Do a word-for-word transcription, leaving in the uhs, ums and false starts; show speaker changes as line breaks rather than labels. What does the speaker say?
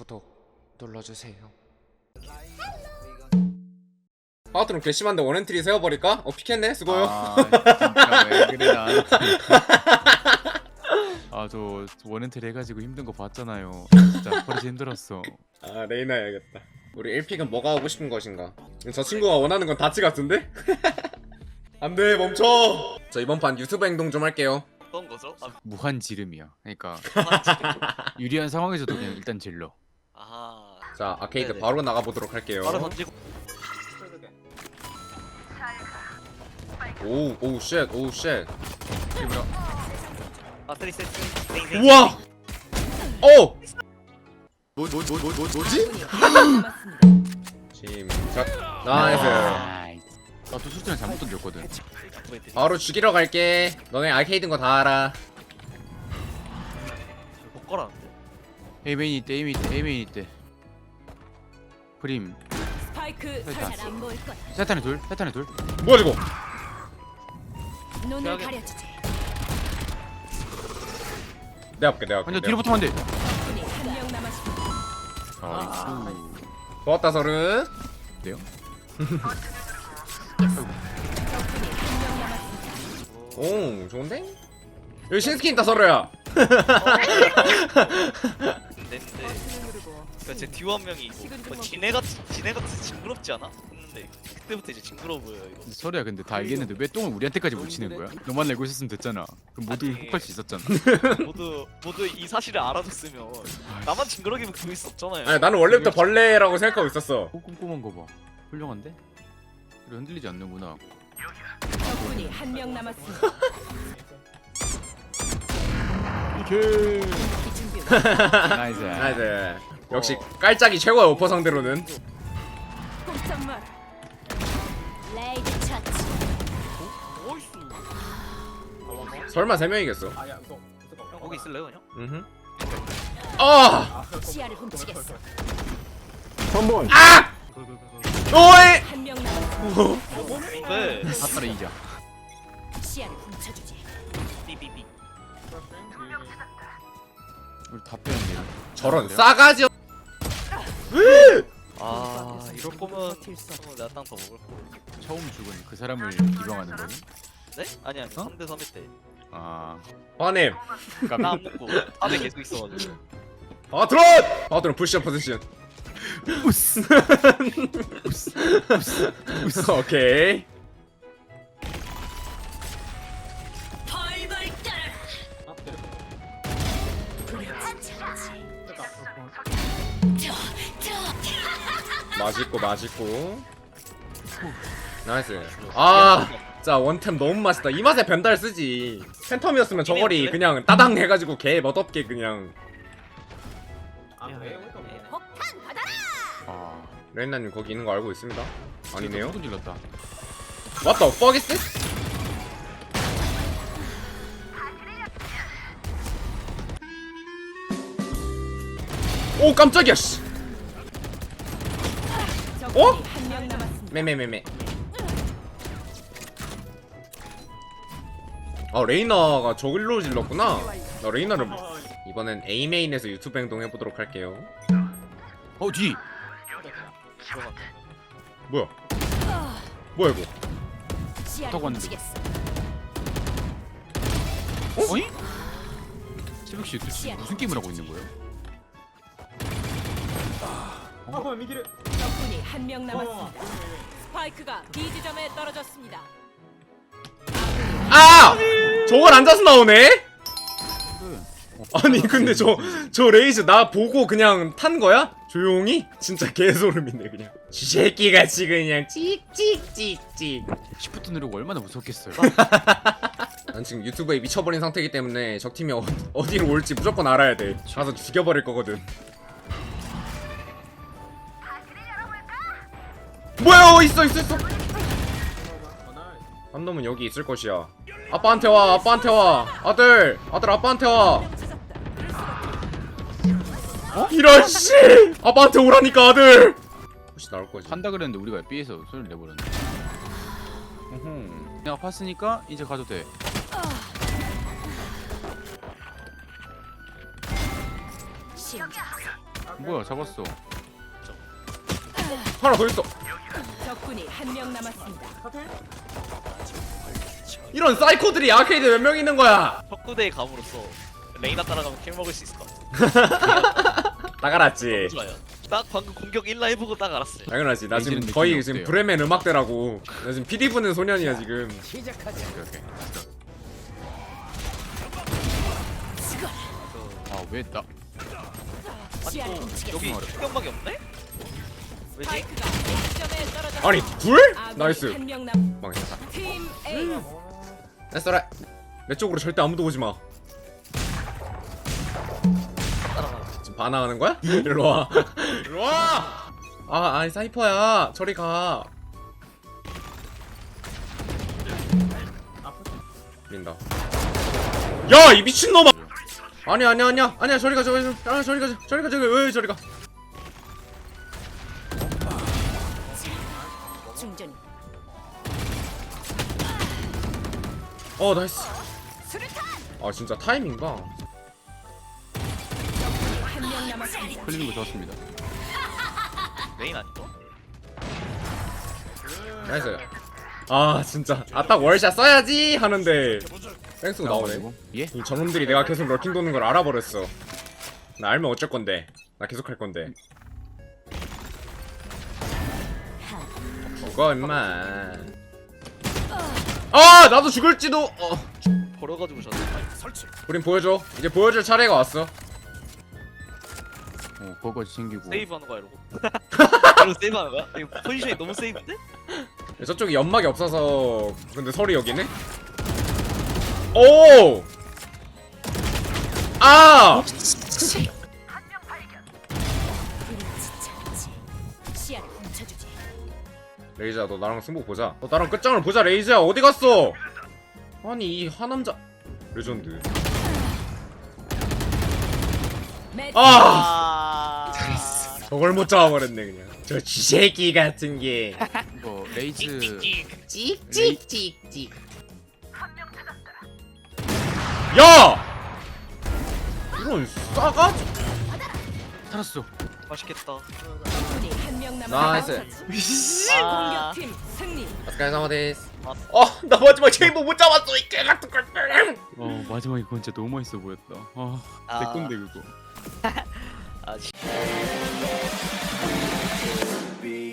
구독 눌러주세요. 파워트론 괘씸한데 원엔트리 세워버릴까? 어 피켓네? 수고요.
아 진짜 왜 그래 나한테. 아저 원엔트리 해가지고 힘든 거 봤잖아요. 진짜 버릇이 힘들었어.
아 레이나 해야겠다. 우리 일 픽은 뭐가 하고 싶은 것인가? 저 친구가 원하는 건 다치 같은데? 안돼 멈춰! 저 이번 판 유튜브 행동 좀 할게요.
어떤 거죠? 아,
무한 지름이야. 그러니까
무한지름.
유리한 상황에서도 그냥 일단 질러.
아하.
자 아케이드
네네.
바로 나가보도록 할게요.
바로 던지고.
오우 오우 쉣 오우 쉣.
이게 뭐야?
아, 쓰리 세트.
우와! 오! 뭐, 뭐, 뭐, 뭐, 뭐, 뭐지? 침착 나이스.
나이스. 나또 수준을 잘못 던졌거든.
바로 죽이러 갈게. 너네 아케이드인 거 다 알아.
못 걸었는데.
에이메인 있대, 에이메인 있대, 에이메인 있대. 프림.
스파이크
설치.
안 보일 거야.
세탄에 둘, 세탄에 둘.
뭐야 이거?
눈을
대학에-
가려주지.
내가 볼게 내가 볼게.
완전 뒤로 붙으면 안 돼.
적군이 한 명 남았습니다.
아,
고맙다 서른.
네요?
적군이 한 명 남았습니다.
오 좋은데? 여기 신스킨 있다 서로야.
근데 그러니까 제 듀오 한 명이 뭐 지네같이 지네같이 징그럽지 않아? 했는데 그때부터 이제 징그러워 보여요 이거.
서로야 근데 다 알겠는데 왜 똥을 우리한테까지 묻히는 거야? 너만 알고 있었으면 됐잖아. 그럼 모두
아니.
혹할 수 있었잖아.
모두 모두 이 사실을 알아줬으면 나만 징그러기면 그럴 수 없잖아요.
아니 나는 원래부터 벌레라고 생각하고 있었어.
오 꼼꼼한 거 봐. 훌륭한데? 그래 흔들리지 않는구나.
적군이 한 명 남았습니다.
이케.
이 준비.
나이스.
나이스. 역시 깔짝이 최고야 오퍼 상대로는.
꼼짝 마라. 레이드 처치.
나이스.
설마 세 명이겠어?
형 거기 있을래요 그냥?
음. 아!
시야를 훔치겠어.
아! 오이!
한 명 남았습니다.
네.
아따라 이자.
시야를 훔쳐주지.
삐삐삐.
우리 다 빼는데.
저런 싸가지.
아 이럴 거면 어, 내가 땅 더 먹을 거.
처음 죽은 그 사람을 기방하는 거니?
네? 아니 아니
어?
삼 대 삼 회 때.
아.
화님.
그러니까
나안 먹고 탑에 계속 있어가지고.
바트론! 바트론 푸시업 포지션.
우스.
오케이.
벌벌 떨어라.
맛있고 맛있고. 나이스. 아, 자 원템 너무 맛있다. 이 맛에 변달 쓰지. 팬텀이었으면 저거리 그냥 따당 해가지고 개 멋없게 그냥.
폭탄 받아라.
아.
레인나님 거기 있는 거 알고 있습니다. 아니네요.
소금 질렀다.
What the fuck is this? 오 깜짝이야 씨.
적군이
어?
한 명 남았습니다.
매매매매. 아 레이나가 저길로 질렀구나. 나 레이나를 이번엔 A 메인에서 유튜브 행동 해보도록 할게요.
어 뒤.
뭐야? 뭐야 이거?
시야를
어떡 왔는데?
훔치겠어.
어이? 새벽 씨 도대체 무슨 게임을 하고 있는 거예요?
적군이 한 명 남았습니다. 스파이크가 B 지점에 떨어졌습니다.
아! 저걸 앉아서 나오네?
그래.
아니 근데 저 저 레이즈 나 보고 그냥 탄 거야? 조용히? 진짜 개소름이네 그냥. 쥐새끼같이 그냥 찍찍찍찍.
시프트 누르고 얼마나 무섭겠어요.
난 지금 유튜브에 미쳐버린 상태이기 때문에 적팀이 어, 어디로 올지 무조건 알아야 돼. 가서 죽여버릴 거거든. 뭐야? 어, 있어 있어 있어. 한 놈은 여기 있을 것이야. 아빠한테 와 아빠한테 와 아들 아들 아빠한테 와. 어? 이런 씨 아빠한테 오라니까 아들. 혹시 나올 거지?
한다 그랬는데 우리가 B에서 소리를 내버렸네.
음흠.
내가 봤으니까 이제 가도 돼.
시야.
뭐야 잡았어.
하나 더 있어.
적군이 한 명 남았습니다.
이런 사이코들이 아케이드 몇 명 있는 거야?
척구대에 감으로써 레이나 따라가면 킬 먹을 수 있을 것 같아.
딱 알았지.
너무 좋아요. 딱 방금 공격 일 라 해보고 딱 알았어요.
당연하지. 나 지금
레이지는
거의
느낌이
지금
어때요?
브레멘 음악대라고. 나 지금 피디 부는 소년이야 지금.
오케이 오케이. 아왜 나?
아니
시야를
또
훔치겠어.
여기 충격막이 없네? 왜지?
스파이크가 A점에 떨어졌습니다.
아니 둘?
아군이
나이스.
한 명 남.
망했다.
팀 A.
됐어라. 내 쪽으로 절대 아무도 오지 마.
따라가.
지금 반항하는 거야? 일로 와. 일로 와. 아 아니 사이퍼야. 저리 가. 민다. 야 이 미친놈아. 아니야 아니야 아니야 아니야 저리 가 저리 가 아, 저리 가 저리 가 저리 가 왜 저리 가.
충전.
어 나이스.
수류탄.
아 진짜 타이밍 봐.
한 명 남았습니다.
흘리는 거 좋았습니다.
메인 아니고?
나이스. 아 진짜 아 딱 월샷 써야지 하는데 뺑소가 나오네.
나와가지고. 예?
이 저놈들이 내가 계속 럴킹 도는 걸 알아버렸어. 나 알면 어쩔 건데. 나 계속 할 건데. 죽어 임마. 아 나도 죽을지도. 어.
버려가지고 졌네.
우린 보여줘. 이제 보여줄 차례가 왔어.
어 그거까지 챙기고.
세이브하는 거야 이러고. 이러고 세이브하는 거야? 이거 포지션이 너무 세이브인데?
저쪽이 연막이 없어서 근데 설이 여기네. 오. 아.
시야를 훔쳐주지.
레이즈야 너 나랑 승부 보자. 너 나랑 끝장을 보자. 레이즈야 어디 갔어? 아니 이 하남자 레전드.
매치.
아
아.
저걸 못 잡아버렸네 그냥. 저 쥐새끼 같은 게.
이거 레이즈.
찍찍찍찍. 야! 이런 싸가지.
살았어.
맛있겠다.
적군이 한 명
나이스.
남았습니다.
아.
공격팀 승리.
오스카레사마데스.
아.
어, 나 마지막 체인버 못 잡았어 이 개 같은 걸.
어 마지막에 그건 진짜 너무 맛있어 보였다. 아,
아.
내 건데 그거.
아, 씨.